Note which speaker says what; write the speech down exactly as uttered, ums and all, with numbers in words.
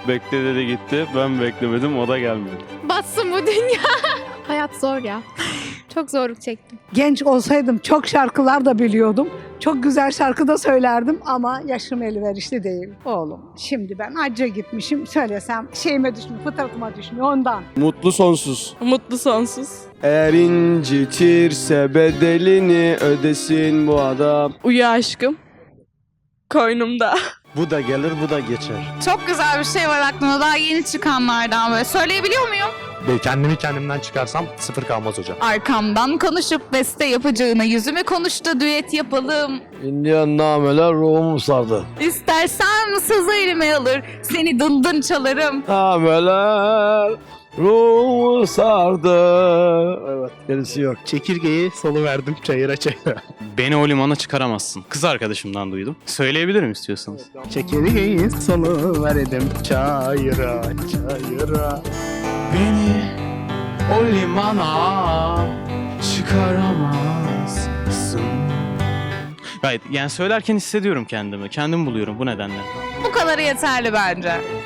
Speaker 1: Bekle dedi gitti. Ben beklemedim, o da gelmedi.
Speaker 2: Batsın bu dünya. Hayat zor ya. Çok zorluk çektim.
Speaker 3: Genç olsaydım çok şarkılar da biliyordum. Çok güzel şarkı da söylerdim ama yaşım elverişli değil oğlum. Şimdi ben hacca gitmişim, söylesem şeyime düşmüyor, fıtratıma düşmüyor ondan.
Speaker 1: Mutlu sonsuz.
Speaker 4: Mutlu sonsuz.
Speaker 1: Eğer incitirse bedelini ödesin bu adam.
Speaker 4: Uyu aşkım. Koynumda.
Speaker 5: Bu da gelir, bu da geçer.
Speaker 6: Çok güzel bir şey var aklımda, daha yeni çıkanlardan böyle. Söyleyebiliyor muyum?
Speaker 5: Ben kendimi kendimden çıkarsam sıfır kalmaz hocam.
Speaker 6: Arkamdan konuşup beste yapacağına yüzüme konuştu, düet yapalım.
Speaker 5: İndiyan nameler ruhumu sardı.
Speaker 6: İstersen sızı elime alır, seni dındın çalarım.
Speaker 5: Nameler ruhumu sardı. Evet, gerisi yok. Çekirgeyi salıverdim çayıra çayıra.
Speaker 7: Beni o limana çıkaramazsın. Kız arkadaşımdan duydum. Söyleyebilirim istiyorsanız.
Speaker 5: Çekirgeyi salıverdim çayıra çayıra.
Speaker 7: Beni o limana çıkaramazsın. Gayet yani söylerken hissediyorum kendimi. Kendim buluyorum bu nedenle.
Speaker 6: Bu kadarı yeterli bence.